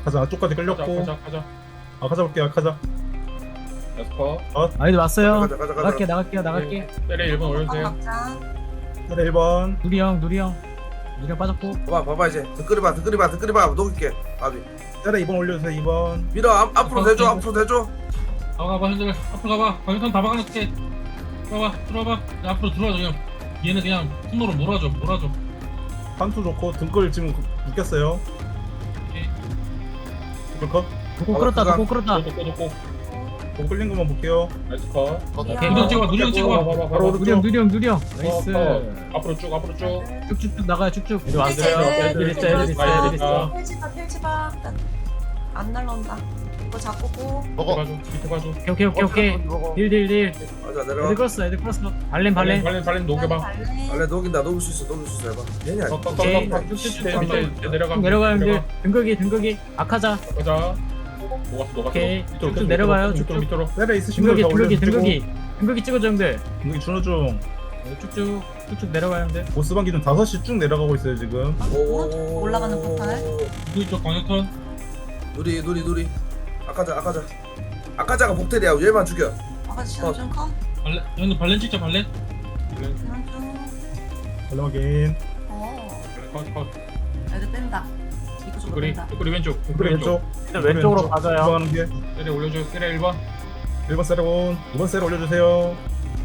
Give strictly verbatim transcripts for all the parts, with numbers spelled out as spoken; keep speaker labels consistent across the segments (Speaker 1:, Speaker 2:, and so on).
Speaker 1: 아카자 안쪽까지 끌렸고.
Speaker 2: 가자 가자.
Speaker 1: 아카자 볼게 아카자.
Speaker 2: 에스퍼.
Speaker 3: 아이들 왔어요.
Speaker 4: 가자 가자 가자.
Speaker 3: 나갈게 나갈게요 나갈게.
Speaker 2: 때려 일 번 올려주세요.
Speaker 5: 막자.
Speaker 1: 그래 일 번.
Speaker 3: 누리 형 누리 형. 누리 형 빠졌고.
Speaker 4: 봐봐 봐봐 이제 득그리 봐 득그리 봐 득그리 봐 녹일게. 아비
Speaker 1: 그래 이 번 올려주세요 이 번.
Speaker 4: 밀어 앞, 앞으로 대줘 앞으로 대줘.
Speaker 2: 가봐 형들 앞으로 가봐. 방탄 다 박아놓게. 들어봐 들어봐. 야, 앞으로 들어와줘 형. 얘는 그냥 손으로 몰아줘 몰아줘.
Speaker 1: 판투 좋고 등골 지금 묶였어요.
Speaker 2: 오케이.
Speaker 1: 등골 컷.
Speaker 3: 도고
Speaker 4: 어,
Speaker 3: 끌었다
Speaker 4: 그거-
Speaker 3: 도고 끌었다.
Speaker 2: 꼬꼬 꼬꼬.
Speaker 1: 공 끌린 것만 볼게요.
Speaker 2: 나이스 컷.
Speaker 3: 오케이.
Speaker 2: 누령 찍어봐 누령 찍어봐. 봐봐
Speaker 1: 바로
Speaker 2: 봐봐.
Speaker 3: 누리 형 누리 형 누리 형. 나이스.
Speaker 2: 어, 앞으로 쭉 앞으로 쭉.
Speaker 3: 쭉쭉쭉 나가요 쭉쭉.
Speaker 1: 이리 왔어요.
Speaker 3: 애들 있어 애들 있어 애들 있어.
Speaker 5: 펼치봐 펼치봐. 안 날라온다. 이거 잡고 고.
Speaker 2: 밑에
Speaker 6: 먹어.
Speaker 2: 봐줘 밑에 봐줘.
Speaker 3: 오케이 오케이 오케이. 딜딜딜.
Speaker 4: 맞아
Speaker 3: 애들
Speaker 4: 내려와.
Speaker 3: 끌었어 애들 끌었어. 발렌 발렌.
Speaker 2: 발렌 발렌 녹여봐.
Speaker 4: 원래 녹인다 녹일 수 있어 녹일 수 있어 해봐. 얘네 아니야.
Speaker 3: 오케이.
Speaker 2: 밑에 밑에 내려가.
Speaker 3: 쭉 내려가요 형들. 등극이 등극이. 아카자.
Speaker 2: 가자. 녹았어 녹았어.
Speaker 3: 오케이.
Speaker 2: 밑으로,
Speaker 3: 쭉쭉 내려가요
Speaker 2: 밑으로
Speaker 3: 쭉쭉.
Speaker 2: 밑으로.
Speaker 1: 그래 있으신
Speaker 3: 등극이
Speaker 1: 분다
Speaker 3: 등극이
Speaker 1: 올려주시고.
Speaker 3: 등극이. 등극이 찍어줘 형들.
Speaker 1: 등극이 준호 중.
Speaker 3: 네, 쭉쭉 쭉쭉 내려가요 형들.
Speaker 1: 보스방 기준 다섯 시 쭉 내려가고 있어요 지금.
Speaker 5: 오른쪽 올라가는 포탈.
Speaker 2: 누이 쪽 광역턴.
Speaker 4: 누리 누리 누리. 아까자 아까자. 아까자가 복텔이야 얘만 죽여.
Speaker 5: 아까 시간 좀 커.
Speaker 2: 발렌 형들 발렌 찍자 발렌. 발렌
Speaker 5: 시간 좀.
Speaker 1: 발렌 확인.
Speaker 5: 어.
Speaker 2: 컷 컷.
Speaker 5: 애들 뺀다. 이거 좀
Speaker 2: 뚜꾸리
Speaker 5: 뺀다.
Speaker 2: 뚜꾸리 왼쪽.
Speaker 1: 등골
Speaker 2: 뚜꾸리 왼쪽.
Speaker 1: 왼쪽.
Speaker 3: 왼쪽으로 가져요.
Speaker 1: 하는 게
Speaker 2: 때려 올려줘. 때려 일 번.
Speaker 1: 일 번 세레온. 이 번 세레 올려주세요.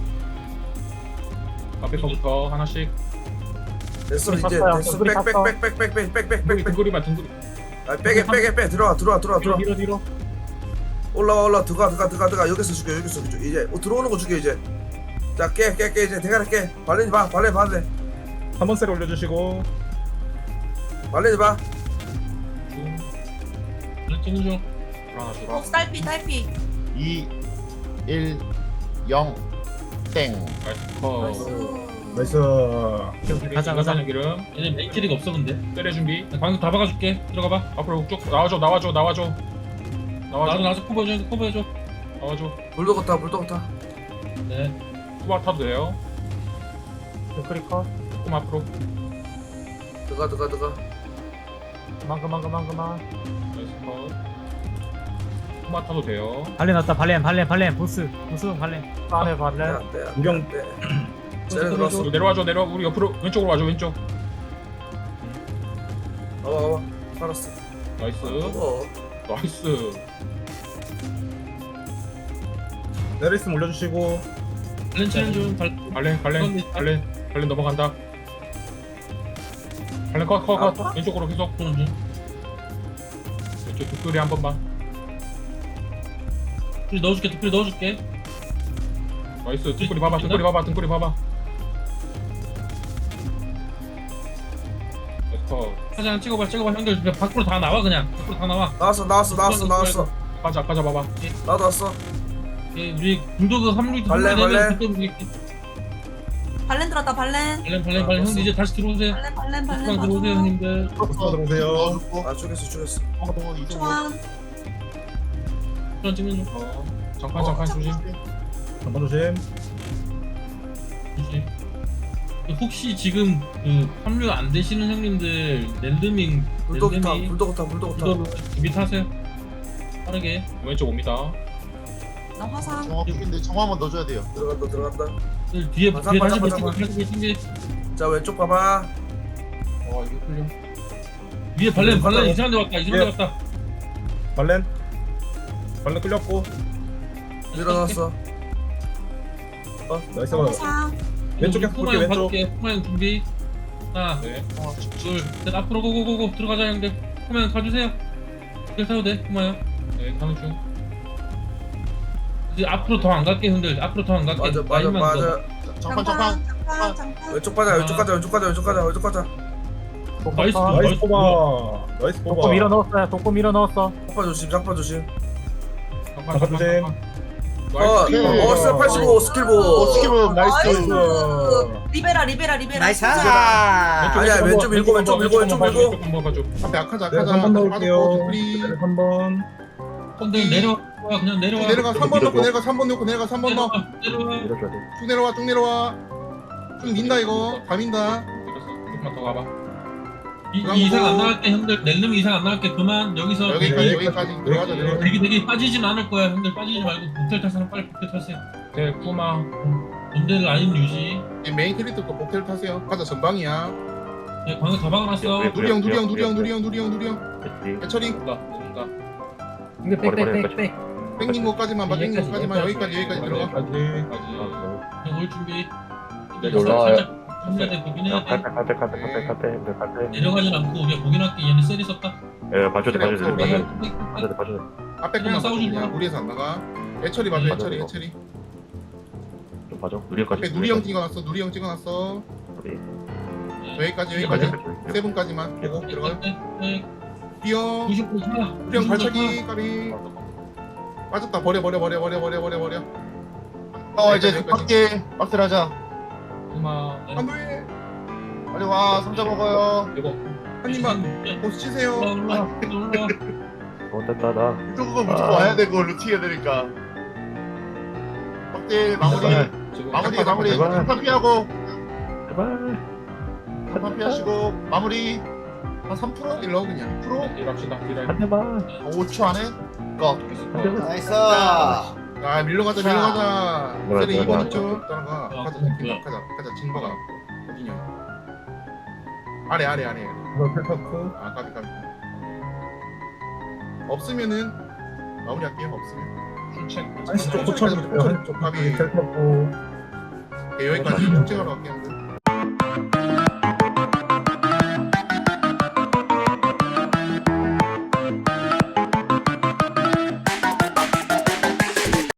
Speaker 2: 앞에 거부터 하나씩.
Speaker 4: 됐어 이제
Speaker 3: 샀어요.
Speaker 4: 됐어
Speaker 3: 뚜꾸리 샀어.
Speaker 4: 빽빽빽빽빽빽빽빽.
Speaker 2: 등골이 등골이 봐 등골이.
Speaker 4: 아 빼게 빼게 빼 들어와 들어와 들어와 들어와.
Speaker 3: 뒤로 뒤로.
Speaker 4: 올라와 올라 들어가 들어가 들어가 들어가 여기서 죽여 여기서 죽여 이제 어, 들어오는 거 죽여 이제. 자 깨 깨 깨 이제 대가리 깨. 발렌이 봐 발렌 발렌
Speaker 1: 한 번 세레 올려주시고.
Speaker 4: 발렌이 봐.
Speaker 2: 중. 발렌 찍는 중. 하나 주라.
Speaker 5: 어 딸피 딸피.
Speaker 6: 이, 일, 영, 땡.
Speaker 2: 나이스 컷.
Speaker 5: 나이스.
Speaker 1: 나이스.
Speaker 3: 오케이, 가자 가자.
Speaker 2: 기름. 얘네 메이트리가 없어 근데. 때려 준비. 방금 다 박아줄게. 들어가봐. 앞으로 쭉 나와줘 나와줘 나와줘. 나와줘 나와줘 커버해줘 커버해줘. 나와줘.
Speaker 4: 불도거 타 불도거 타.
Speaker 2: 네. 수박 타도 돼요.
Speaker 3: 크리커.
Speaker 2: 조금 앞으로.
Speaker 4: 들어가 들어가 들어가.
Speaker 3: 그만 그만 그만 그만.
Speaker 2: 나이스 컷. 수박 타도 돼요.
Speaker 3: 발렌 왔다 발렌 발렌 발렌 보스 보스 발렌. 안에 발렌.
Speaker 4: 안돼 안돼
Speaker 1: 구경.
Speaker 4: 안돼. 쟤네 들어왔어.
Speaker 2: 내려와줘 내려와 우리 옆으로 왼쪽으로 와줘 왼쪽.
Speaker 4: 와봐 와봐. 살았어.
Speaker 2: 나이스.
Speaker 4: 어.
Speaker 2: 나이스.
Speaker 1: 세레 있으면 올려주시고.
Speaker 2: 발렌 치는 중. 발- 발렌 발렌 발렌 발렌 넘어간다. 발렌 컷컷컷
Speaker 4: 아,
Speaker 2: 왼쪽으로 계속 도는 중. 왼쪽 뒷줄이 한 번만. 뒷줄이 넣어줄게 뒷줄이 넣어줄게. 나이스. 등골이 봐봐 등골이 봐봐 등골이 봐봐. 됐어. 사진 찍어봐 찍어봐 형들 그냥 밖으로 다 나와 그냥 밖으로 다 나와.
Speaker 4: 나왔어 나왔어 나왔어 나왔어.
Speaker 2: 가자 가자 봐봐.
Speaker 4: 나도 왔어.
Speaker 2: 예, 우리 불도그 삼 류
Speaker 4: 발렌, 발렌.
Speaker 5: 발렌 들었다 발렌.
Speaker 2: 발렌 발렌 발렌 형들 이제 다시 들어오세요.
Speaker 5: 발렌 발렌 발렌
Speaker 2: 숙방 들어오세요
Speaker 5: 봐줘.
Speaker 2: 형님들.
Speaker 1: 보스 들어오세요.
Speaker 4: 아 죽였어 죽였어.
Speaker 5: 초안.
Speaker 2: 수전 찍는 중. 어. 잠깐 잠깐 조심.
Speaker 1: 한번 조심.
Speaker 2: 조심. 그 혹시 지금 그 합류 안 되시는 형님들 랜드밍
Speaker 4: 불도거 타
Speaker 2: 랜드밍
Speaker 4: 불도거 타 불도거 타.
Speaker 2: 구도로 준비하세요. 빠르게 왼쪽 옵니다.
Speaker 5: 나 화상.
Speaker 6: 정확인데 정화 한번 넣어줘야 돼요.
Speaker 4: 들어간다 들어간다.
Speaker 2: 그 뒤에
Speaker 4: 맞아,
Speaker 2: 뒤에
Speaker 4: 맞아,
Speaker 2: 다시
Speaker 4: 맞아,
Speaker 2: 보시고
Speaker 4: 맞아.
Speaker 2: 다시 보시고.
Speaker 4: 자 왼쪽 봐봐.
Speaker 2: 와 이거 풀려. 위에 발렌 발렌
Speaker 4: 맞아.
Speaker 2: 이상한 데 왔다 이상한 데 왔다.
Speaker 1: 발렌. 발렌 끌렸고.
Speaker 4: 밀어놨어.
Speaker 1: 어 나이스.
Speaker 5: 화상.
Speaker 1: 왼쪽에 볼게 왼쪽.
Speaker 2: 후마형 준비. 하나
Speaker 6: 네.
Speaker 2: 둘셋 앞으로 고고고고 들어가자 형들. 후마형 가주세요. 이렇게 타도 돼 후마형. 네 가는 중. 이제 앞으로 더 안 갈게 형들. 앞으로 더 안 갈게.
Speaker 4: 맞아 맞아
Speaker 2: 라인만 더.
Speaker 4: 맞아.
Speaker 6: 잠깐 잠깐.
Speaker 5: 잠깐 잠깐.
Speaker 4: 왼쪽 가자 왼쪽 가자 왼쪽 가자 왼쪽 가자 왼쪽 가자.
Speaker 2: 나이스.
Speaker 1: 나이스 뽑아. 나이스
Speaker 3: 독고
Speaker 1: 뽑아.
Speaker 3: 밀어 넣었어요. 독고 밀어 넣었어.
Speaker 4: 장파 조심 장파 조심.
Speaker 2: 잠깐
Speaker 1: 잠깐 조심.
Speaker 4: 어,
Speaker 6: 오케이.
Speaker 4: 어, 스텝 팔십오 스킬보.
Speaker 6: 어, 스킵은
Speaker 1: 나이스.
Speaker 5: 리베라 리베라 리베라.
Speaker 7: 나이스.
Speaker 4: 아니야, 왼쪽 밀고, 왼쪽 밀고, 왼쪽 밀고.
Speaker 2: 한번 가줘.
Speaker 6: 앞에 아카자
Speaker 1: 네,
Speaker 6: 아카자
Speaker 1: 한 번
Speaker 6: 아카자
Speaker 1: 넣을게요.
Speaker 6: 빠졌고 프리.
Speaker 1: 한 번.
Speaker 2: 형들 내려와 그냥 내려와.
Speaker 6: 내려가 삼 번 넣고 내려가 삼 번 넣고 내려가 삼 번 넣어.
Speaker 2: 내려와. 내려와.
Speaker 6: 쭉 내려와 쭉 내려와. 쭉 민다 이거. 다 민다.
Speaker 2: 내렸어. 조금만 더 가봐. 이, 이 이상 안 나갈 때 형들 낼름 이상 안 나갈 게 그만 여기서
Speaker 6: 여기까지
Speaker 1: 네,
Speaker 6: 여기까지
Speaker 1: 네,
Speaker 6: 들어가자
Speaker 1: 네.
Speaker 6: 들어가자.
Speaker 2: 되게 되게 빠지진 않을 거야 형들 빠지지 말고 복텔 탈 사람 빨리 복텔 타세요.
Speaker 1: 네 쿠마.
Speaker 2: 본대 라인 유지.
Speaker 6: 이 메인 캐릭터 거 복텔 타세요. 가자 전방이야.
Speaker 2: 예, 방금 다 박아놨어.
Speaker 6: 누리 형 누리 형 누리 형 누리 형 누리 형 누리 형. 해처리
Speaker 2: 온다 온다.
Speaker 3: 근데 빽빽빽빽.
Speaker 6: 땡긴 것까지만 봐. 땡긴
Speaker 3: 여기까지,
Speaker 6: 것까지만 여기까지 여기까지 들어가.
Speaker 1: 여기까지.
Speaker 2: 까지. 올 준비.
Speaker 1: 네,
Speaker 7: 올라와요.
Speaker 2: 살짝 해야 돼 보긴 해야 돼.
Speaker 7: 갈때 갈때 갈때 갈때 갈때 갈때.
Speaker 2: 내려가진 않고 우리가 보긴 할게. 얘네 셀이 썼다.
Speaker 7: 예, 봐줘야 돼,
Speaker 6: 그래,
Speaker 7: 봐줘야 돼,
Speaker 6: 없어,
Speaker 7: 봐줘야
Speaker 6: 우리.
Speaker 7: 돼, 봐줘야 돼, 봐줘야 돼.
Speaker 6: 앞에
Speaker 2: 그냥
Speaker 6: 것만
Speaker 2: 싸우지
Speaker 6: 봐주냐.
Speaker 2: 마.
Speaker 6: 무리해서 안 나가. 해처리 봐줘
Speaker 2: 음,
Speaker 6: 해처리
Speaker 7: 맞아,
Speaker 6: 해처리.
Speaker 7: 좀 봐줘. 누리까지.
Speaker 6: 앞에 누리 형 찍어놨어. 누리 형 찍어놨어.
Speaker 2: 네.
Speaker 6: 여기까지 여기까지. 세븐까지만 보고 들어가요.
Speaker 2: 네.
Speaker 6: 뛰어.
Speaker 2: 구십 분 차.
Speaker 6: 우리 형 발차기 까비. 빠졌다. 버려 버려 버려 버려 버려 버려 버려.
Speaker 8: 어 이제 밖에 박스를 하자.
Speaker 2: 그만.
Speaker 6: 안돼.
Speaker 8: 빨리 와 삼자 먹어요.
Speaker 2: 이거
Speaker 6: 한 입만. 보스 치세요.
Speaker 2: 올라 올라 올라.
Speaker 7: 어, 됐다, 나.
Speaker 8: 이쪽은 무조건 와야 되고 루팅 해야 되니까. 박대 마무리
Speaker 2: 지금
Speaker 8: 마무리 마무리
Speaker 7: 제발.
Speaker 8: 한판 피하고
Speaker 7: 제발.
Speaker 8: 한판 피하시고 마무리 한 삼 퍼센트?
Speaker 6: 일러 그냥.
Speaker 8: 일 퍼센트?
Speaker 2: 딜합시다. 딜할.
Speaker 7: 한 대만.
Speaker 8: 오 초 안에 거.
Speaker 7: 한 대만.
Speaker 9: 나이스.
Speaker 6: 아 밀러 가자 밀러 가자.
Speaker 7: 뭐야,
Speaker 6: 세리
Speaker 7: 뭐야,
Speaker 6: 이번
Speaker 7: 뭐야.
Speaker 6: 있죠. 따라가.
Speaker 2: 어,
Speaker 6: 가자
Speaker 2: 뭐야.
Speaker 6: 진박 가자 가자 진박아. 어디냐? 아래 아래 아래.
Speaker 1: 이거 펠터크.
Speaker 6: 아 까비 까비. 없으면은 마무리할게요. 없으면.
Speaker 2: 출첵.
Speaker 1: 한시 쪽 도착. 한쪽
Speaker 6: 까비.
Speaker 1: 펠터크.
Speaker 6: 오케이, 여기까지 형 찍으러 갈게요.